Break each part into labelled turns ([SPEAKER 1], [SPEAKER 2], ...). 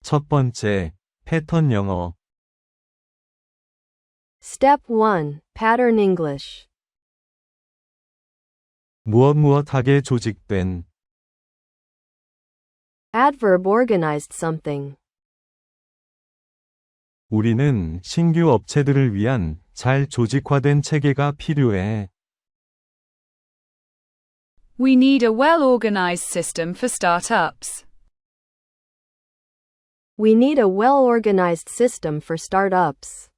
[SPEAKER 1] 첫 번째, 패턴 영어.
[SPEAKER 2] Step 1. Pattern English.
[SPEAKER 1] 무엇무엇하게 조직된.
[SPEAKER 2] Adverb organized something.
[SPEAKER 1] 우리는 신규 업체들을 위한 잘 조직화된 체계가 필요해.
[SPEAKER 3] We need a well-organized system for startups.
[SPEAKER 2] We need a well-organized system for startups.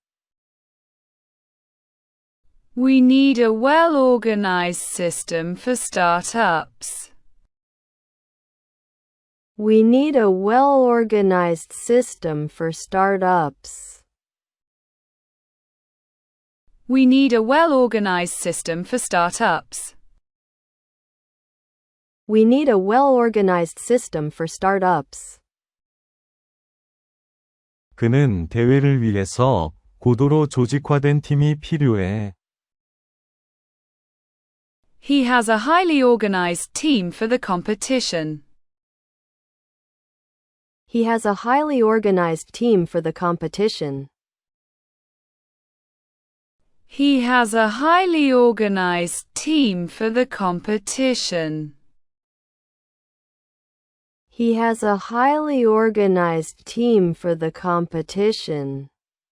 [SPEAKER 3] We need a well-organized system for startups.
[SPEAKER 2] We need a well-organized system for startups.
[SPEAKER 3] We need a well-organized system for startups.
[SPEAKER 2] We need a well-organized system for startups.
[SPEAKER 1] 그는 대회를 위해서 고도로 조직화된 팀이 필요해.
[SPEAKER 3] He has a highly organized team for the competition.
[SPEAKER 2] He has a highly organized team for the competition.
[SPEAKER 3] He has a highly organized team for the competition.
[SPEAKER 2] He has a highly organized team for the competition.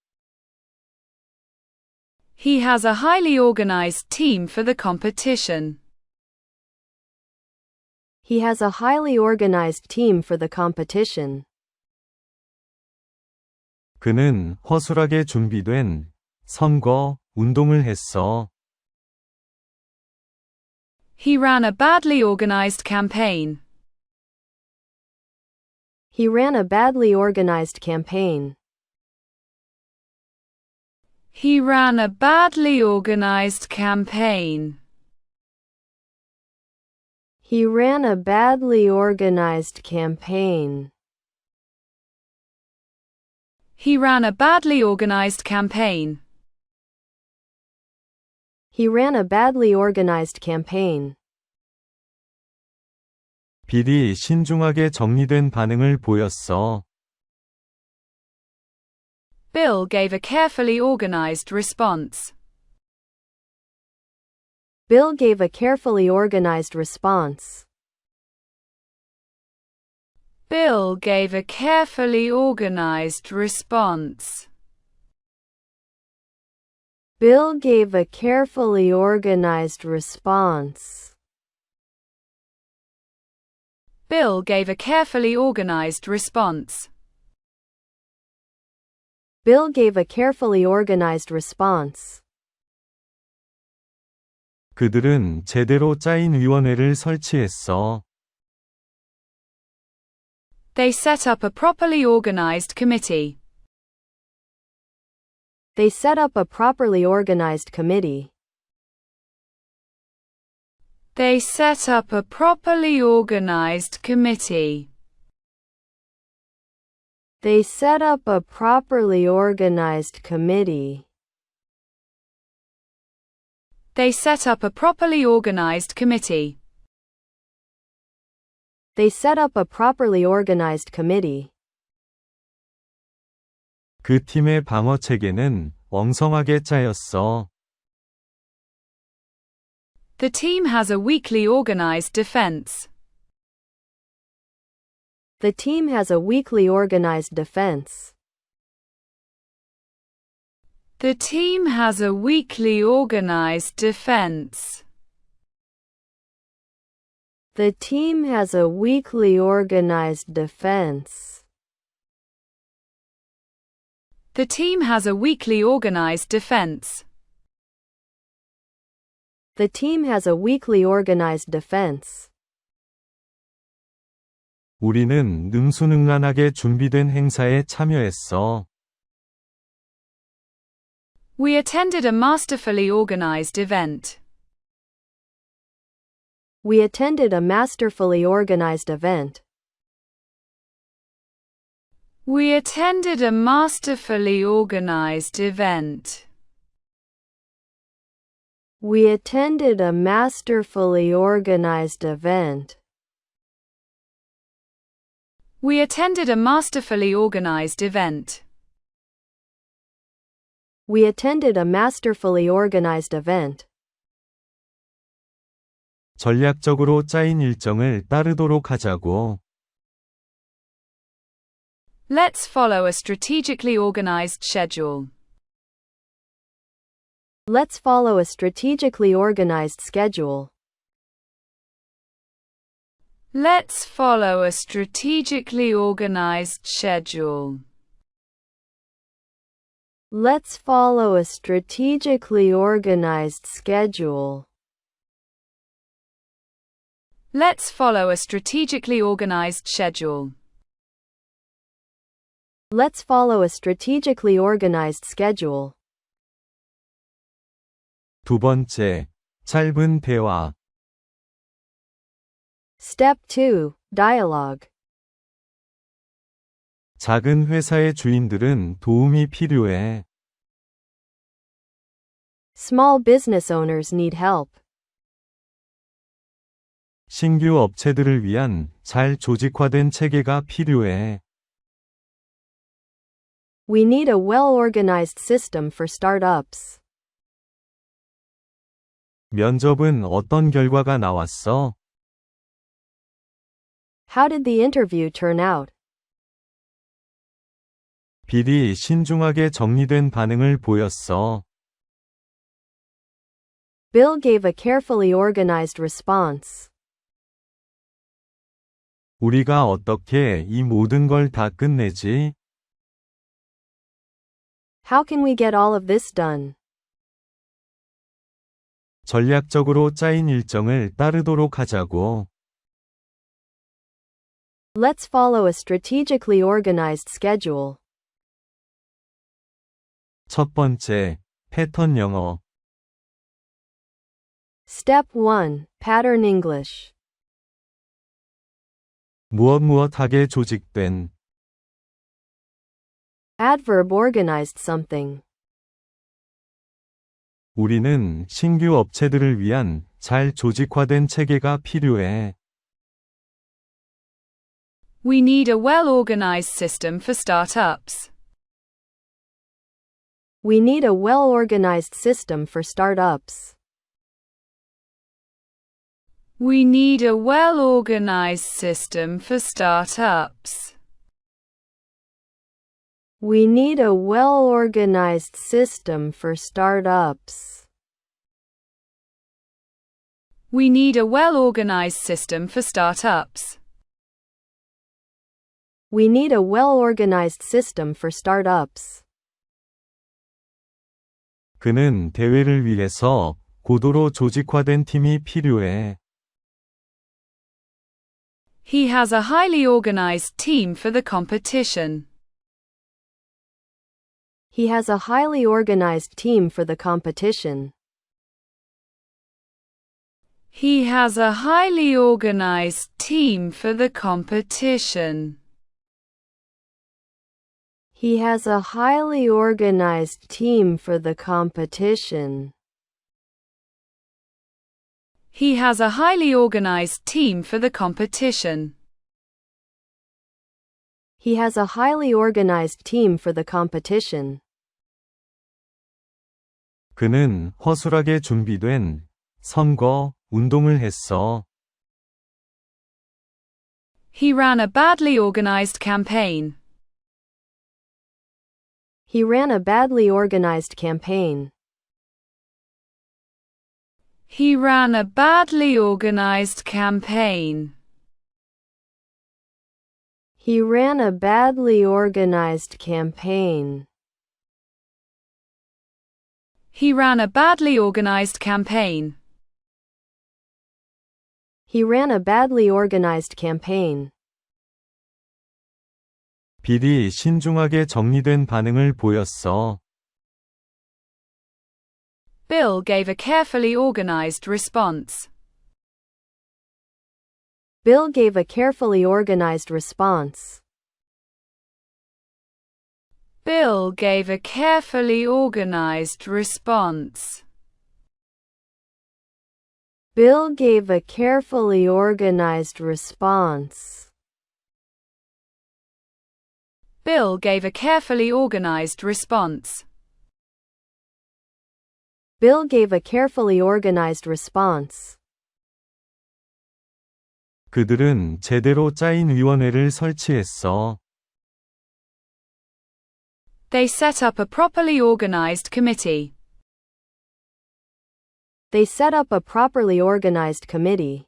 [SPEAKER 3] He has a highly organized team for the competition.
[SPEAKER 2] He has a highly organized team for the competition.
[SPEAKER 1] 그는 허술하게 준비된 선거 운동을 했어.
[SPEAKER 3] He ran a badly organized campaign.
[SPEAKER 2] He ran a badly organized campaign.
[SPEAKER 3] He ran a badly organized campaign.
[SPEAKER 2] He ran a badly organized campaign.
[SPEAKER 3] He ran a badly organized campaign.
[SPEAKER 2] He ran a badly organized campaign.
[SPEAKER 1] 빌이 신중하게 정리된 반응을 보였어.
[SPEAKER 3] Bill gave a carefully organized response.
[SPEAKER 2] Bill gave a carefully organized response.
[SPEAKER 3] Bill gave a carefully organized response.
[SPEAKER 2] Bill gave a carefully organized response.
[SPEAKER 3] Bill gave a carefully organized response.
[SPEAKER 2] Bill gave a carefully organized response.
[SPEAKER 1] 그들은 제대로 짜인 위원회를 설치했어.
[SPEAKER 3] They set up a properly organized committee.
[SPEAKER 2] They set up a properly organized committee.
[SPEAKER 3] They set up a properly organized committee.
[SPEAKER 2] They set up a properly organized committee.
[SPEAKER 3] They set up a properly organized committee.
[SPEAKER 2] They set up a properly organized committee.
[SPEAKER 1] 그 팀의 방어 체계는 엉성하게 짜였어.
[SPEAKER 3] The team has a weakly organized defense.
[SPEAKER 2] The team has a weakly organized defense.
[SPEAKER 3] The team has a weakly organized defense.
[SPEAKER 2] The team has a weakly organized defense.
[SPEAKER 3] The team has a weakly organized defense.
[SPEAKER 2] The team has a weakly organized defense.
[SPEAKER 1] 우리는 능수능란하게 준비된 행사에 참여했어.
[SPEAKER 3] We attended a masterfully organized event.
[SPEAKER 2] We attended a masterfully organized event.
[SPEAKER 3] We attended a masterfully organized event.
[SPEAKER 2] We attended a masterfully organized event.
[SPEAKER 3] We attended a masterfully organized event.
[SPEAKER 2] We attended a masterfully organized event.
[SPEAKER 1] 전략적으로 짜인 일정을 따르도록 하자고.
[SPEAKER 3] Let's follow a strategically organized schedule.
[SPEAKER 2] Let's follow a strategically organized schedule.
[SPEAKER 3] Let's follow a strategically organized schedule.
[SPEAKER 2] Let's follow a strategically organized schedule.
[SPEAKER 3] Let's follow a strategically organized schedule.
[SPEAKER 2] Let's follow a strategically organized schedule.
[SPEAKER 1] 두 번째, 짧은 대화.
[SPEAKER 2] Step 2. Dialogue.
[SPEAKER 1] 작은 회사의 주인들은 도움이 필요해.
[SPEAKER 2] Small business owners need help.
[SPEAKER 1] 신규 업체들을 위한 잘 조직화된 체계가 필요해.
[SPEAKER 2] We need a well-organized system for startups.
[SPEAKER 1] 면접은 어떤 결과가 나왔어?
[SPEAKER 2] How did the interview turn out?
[SPEAKER 1] 빌이 신중하게 정리된 반응을 보였어.
[SPEAKER 2] Bill gave a carefully organized response.
[SPEAKER 1] 우리가 어떻게 이 모든 걸 다 끝내지?
[SPEAKER 2] How can we get all of this done?
[SPEAKER 1] 전략적으로 짜인 일정을 따르도록 하자고.
[SPEAKER 2] Let's follow a strategically organized schedule.
[SPEAKER 1] 첫 번째, 패턴 영어.
[SPEAKER 2] Step 1. Pattern English.
[SPEAKER 1] 무엇무엇하게 조직된.
[SPEAKER 2] Adverb organized something.
[SPEAKER 1] 우리는 신규 업체들을 위한 잘 조직화된 체계가 필요해.
[SPEAKER 3] We need a well-organized system for startups.
[SPEAKER 2] We need a well-organized system for startups.
[SPEAKER 3] We need a well-organized system for startups.
[SPEAKER 2] We need a well-organized system for startups.
[SPEAKER 3] We need a well-organized system for startups.
[SPEAKER 2] We need a well-organized system for startups.
[SPEAKER 1] 그는 대회를 위해서 고도로 조직화된 팀이 필요해.
[SPEAKER 3] He has a highly organized team for the competition.
[SPEAKER 2] He has a highly organized team for the competition.
[SPEAKER 3] He has a highly organized team for the competition.
[SPEAKER 2] He has a highly organized team for the competition.
[SPEAKER 3] He has a highly organized team for the competition.
[SPEAKER 2] He has a highly organized team for the competition.
[SPEAKER 1] 그는 허술하게 준비된 선거 운동을 했어.
[SPEAKER 3] He ran a badly organized campaign.
[SPEAKER 2] He ran a badly organized campaign.
[SPEAKER 3] He ran a badly organized campaign.
[SPEAKER 2] He ran a badly organized campaign.
[SPEAKER 3] He ran a badly organized campaign.
[SPEAKER 2] He ran a badly organized campaign.
[SPEAKER 1] 빌이 신중하게 정리된 반응을 보였어.
[SPEAKER 3] Bill gave a carefully organized response.
[SPEAKER 2] Bill gave a carefully organized response.
[SPEAKER 3] Bill gave a carefully organized response.
[SPEAKER 2] Bill gave a carefully organized response.
[SPEAKER 3] Bill gave a carefully organized response.
[SPEAKER 2] Bill gave a carefully organized response.
[SPEAKER 1] 그들은 제대로 짜인 위원회를 설치했어.
[SPEAKER 3] They set up a properly organized committee.
[SPEAKER 2] They set up a properly organized committee.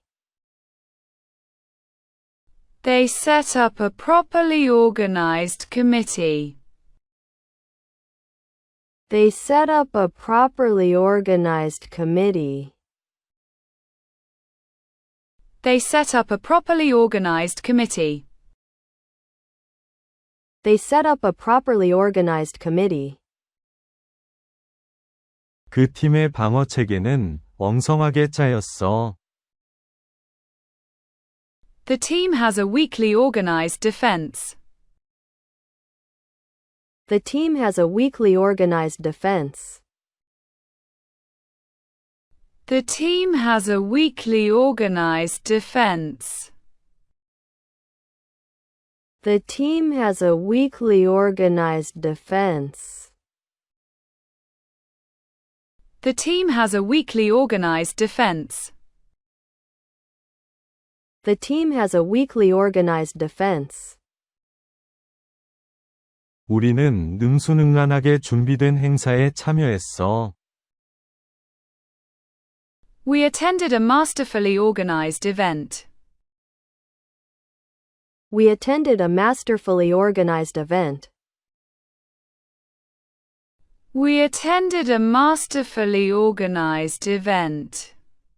[SPEAKER 3] They set up a properly organized committee.
[SPEAKER 2] They set up a properly organized committee.
[SPEAKER 3] They set up a properly organized committee.
[SPEAKER 2] They set up a properly organized committee.
[SPEAKER 1] 그 팀의 방어 체계는 엉성하게 짜였어.
[SPEAKER 3] The team has a weakly organized defense.
[SPEAKER 2] The team has a weakly organized defense.
[SPEAKER 3] The team has a weakly organized defense.
[SPEAKER 2] The team has a weakly organized defense.
[SPEAKER 3] The team has a weakly organized defense.
[SPEAKER 2] The team has a weakly organized defense.
[SPEAKER 1] 우리는 능수능란하게 준비된 행사에 참여했어.
[SPEAKER 3] We attended a masterfully organized event.
[SPEAKER 2] We attended a masterfully organized event.
[SPEAKER 3] We attended a masterfully organized event.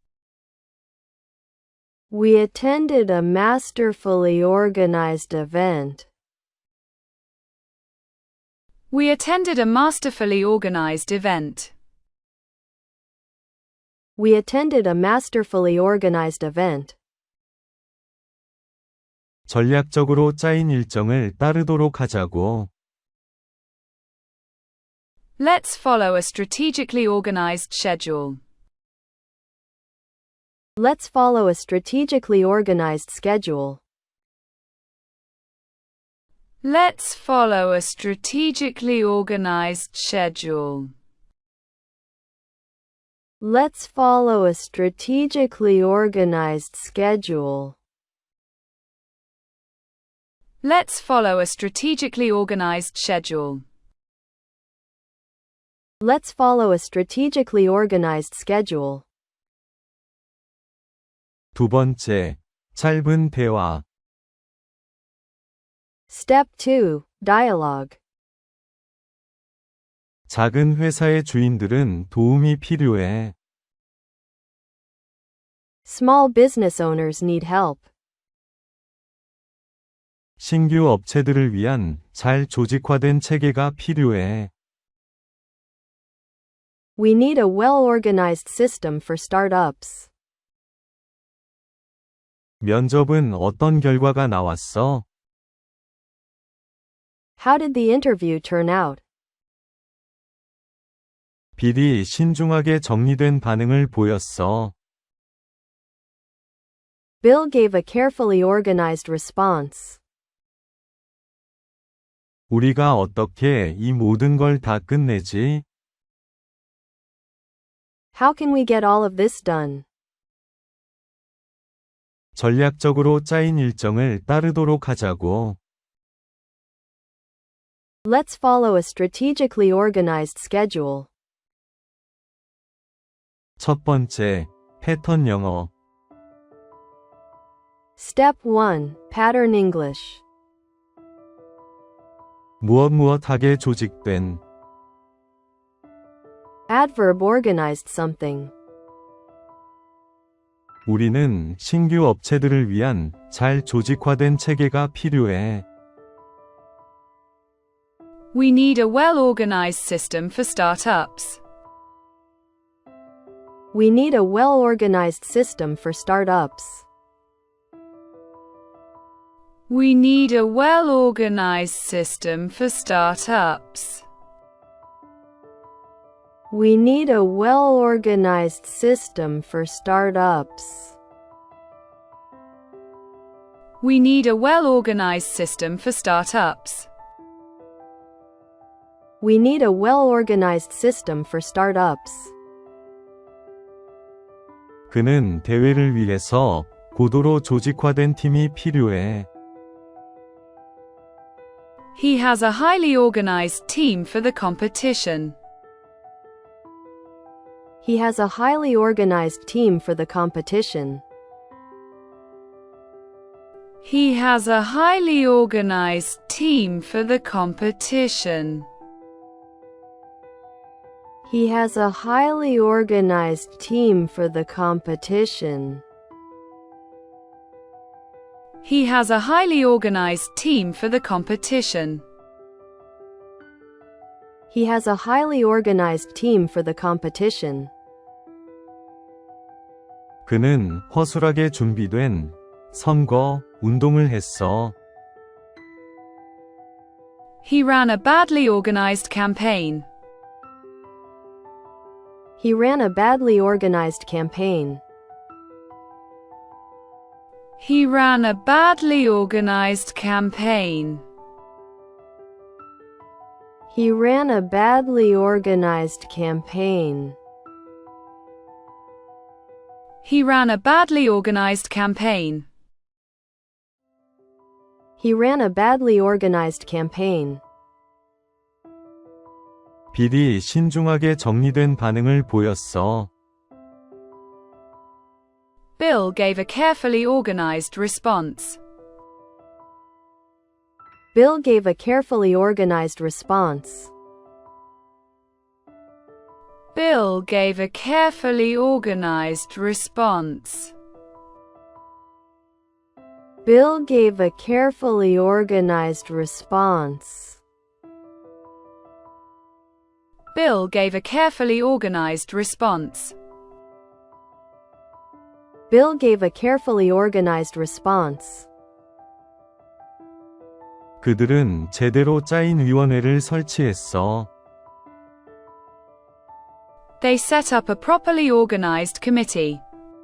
[SPEAKER 2] We attended a masterfully organized event.
[SPEAKER 3] We attended a masterfully organized event.
[SPEAKER 2] We attended a masterfully organized event.
[SPEAKER 1] 전략적으로 짜인 일정을 따르도록 하자고.
[SPEAKER 3] Let's follow a strategically organized schedule.
[SPEAKER 2] Let's follow a strategically organized schedule.
[SPEAKER 3] Let's follow a strategically organized schedule.
[SPEAKER 2] Let's follow a strategically organized schedule.
[SPEAKER 3] Let's follow a strategically organized schedule.
[SPEAKER 2] Let's follow a strategically organized schedule.
[SPEAKER 1] 두 번째, 짧은 대화.
[SPEAKER 2] Step 2. Dialogue.
[SPEAKER 1] 작은 회사의 주인들은 도움이 필요해.
[SPEAKER 2] Small business owners need help.
[SPEAKER 1] 신규 업체들을 위한 잘 조직화된 체계가 필요해.
[SPEAKER 2] We need a well-organized system for startups.
[SPEAKER 1] 면접은 어떤 결과가 나왔어?
[SPEAKER 2] How did the interview turn out?
[SPEAKER 1] 빌이 신중하게 정리된 반응을 보였어.
[SPEAKER 2] Bill gave a carefully organized response.
[SPEAKER 1] 우리가 어떻게 이 모든 걸 다 끝내지?
[SPEAKER 2] How can we get all of this done?
[SPEAKER 1] 전략적으로 짜인 일정을 따르도록 하자고.
[SPEAKER 2] Let's follow a strategically organized schedule.
[SPEAKER 1] 첫 번째, 패턴 영어.
[SPEAKER 2] Step 1. Pattern English.
[SPEAKER 1] 무엇하게 조직된.
[SPEAKER 2] Adverb organized something.
[SPEAKER 1] 우리는 신규 업체들을 위한 잘 조직화된 체계가 필요해.
[SPEAKER 3] We need a well-organized system for startups.
[SPEAKER 2] We need a well-organized system for startups.
[SPEAKER 3] We need a well-organized system for startups.
[SPEAKER 2] We need a well-organized system for startups.
[SPEAKER 3] We need a well-organized system for startups.
[SPEAKER 2] We need a well-organized system for startups.
[SPEAKER 1] 그는 대회를 위해서 고도로 조직화된 팀이 필요해.
[SPEAKER 3] He has a highly organized team for the competition.
[SPEAKER 2] He has a highly organized team for the competition.
[SPEAKER 3] He has a highly organized team for the competition.
[SPEAKER 2] He has a highly organized team for the competition.
[SPEAKER 3] He has a highly organized team for the competition.
[SPEAKER 2] He has a highly organized team for the competition.
[SPEAKER 1] 그는 허술하게 준비된 선거 운동을 했어.
[SPEAKER 3] He ran a badly organized campaign.
[SPEAKER 2] He ran a badly organized campaign.
[SPEAKER 3] He ran a badly organized campaign.
[SPEAKER 2] He ran a badly organized campaign.
[SPEAKER 3] He ran a badly organized campaign.
[SPEAKER 2] He ran a badly organized campaign.
[SPEAKER 1] 빌이 신중하게 정리된 반응을 보였어.
[SPEAKER 3] Bill gave a carefully organized response.
[SPEAKER 2] Bill gave a carefully organized response.
[SPEAKER 3] Bill gave a carefully organized response.
[SPEAKER 2] Bill gave a carefully organized response.
[SPEAKER 3] Bill gave a carefully organized response.
[SPEAKER 2] Bill gave a carefully organized response.
[SPEAKER 1] 그들은 제대로 짜인 위원회를 설치했어.
[SPEAKER 3] They set up a properly organized committee.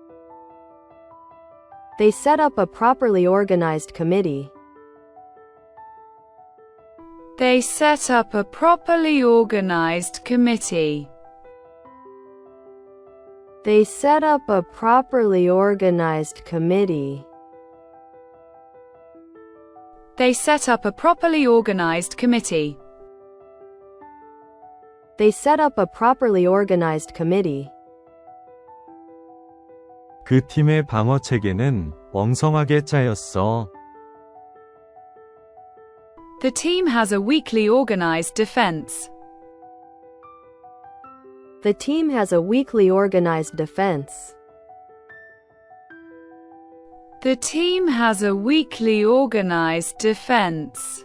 [SPEAKER 2] They set up a properly organized committee.
[SPEAKER 3] They set up a properly organized committee.
[SPEAKER 2] They set up a properly organized committee.
[SPEAKER 3] They set up a properly organized committee.
[SPEAKER 2] They set up a properly organized committee.
[SPEAKER 1] 그 팀의 방어 체계는 엉성하게 짜였어.
[SPEAKER 3] The team has a weakly organized defense.
[SPEAKER 2] The team has a weakly organized defense.
[SPEAKER 3] The team has a weakly organized defense.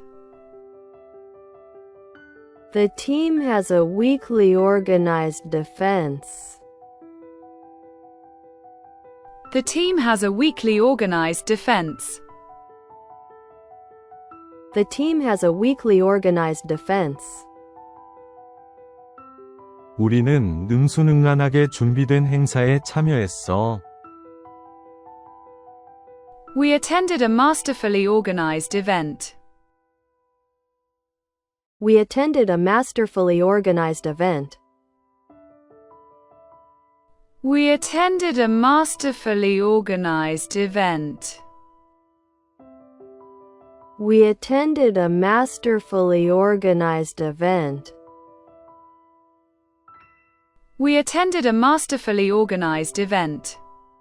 [SPEAKER 2] The team has a weakly organized defense.
[SPEAKER 3] The team has a weakly organized defense.
[SPEAKER 2] The team has a weakly organized defense.
[SPEAKER 1] 우리는 능수능란하게 준비된 행사에 참여했어.
[SPEAKER 3] We attended a masterfully organized event.
[SPEAKER 2] We attended a masterfully organized event.
[SPEAKER 3] We attended a masterfully organized event.
[SPEAKER 2] We attended a masterfully organized event.
[SPEAKER 3] We attended a masterfully organized event.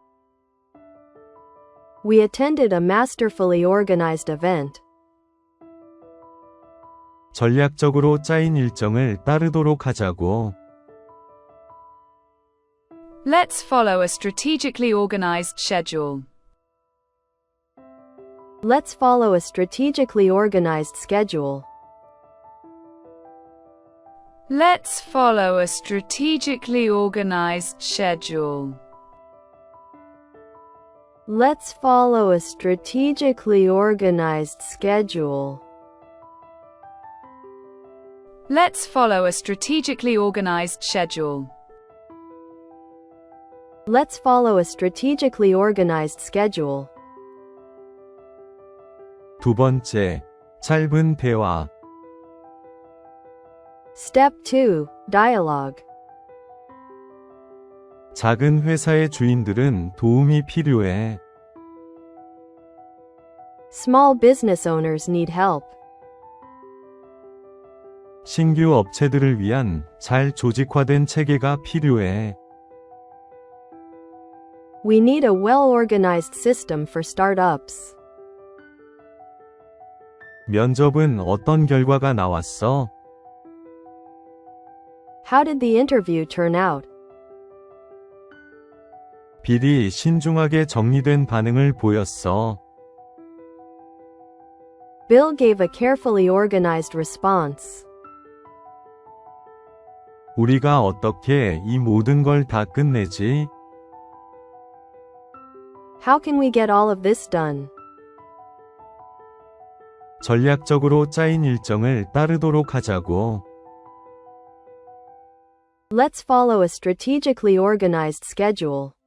[SPEAKER 2] We attended a masterfully organized event.
[SPEAKER 1] 전략적으로 짜인 일정을 따르도록 하자고.
[SPEAKER 3] Let's follow a strategically organized schedule.
[SPEAKER 2] Let's follow a strategically organized schedule.
[SPEAKER 3] Let's follow a strategically organized schedule.
[SPEAKER 2] Let's follow a strategically organized schedule.
[SPEAKER 3] Let's follow a strategically organized schedule.
[SPEAKER 2] Let's follow a strategically organized schedule.
[SPEAKER 1] 두 번째, 짧은 대화.
[SPEAKER 2] Step 2. Dialogue.
[SPEAKER 1] 작은 회사의 주인들은 도움이 필요해.
[SPEAKER 2] Small business owners need help.
[SPEAKER 1] 신규 업체들을 위한 잘 조직화된 체계가 필요해.
[SPEAKER 2] We need a well-organized system for startups.
[SPEAKER 1] 면접은 어떤 결과가 나왔어?
[SPEAKER 2] How did the interview turn out?
[SPEAKER 1] 빌이 신중하게 정리된 반응을 보였어.
[SPEAKER 2] Bill gave a carefully organized response.
[SPEAKER 1] 우리가 어떻게 이 모든 걸 다 끝내지?
[SPEAKER 2] How can we get all of this done?
[SPEAKER 1] 전략적으로 짜인 일정을 따르도록 하자고.
[SPEAKER 2] Let's follow a strategically organized schedule.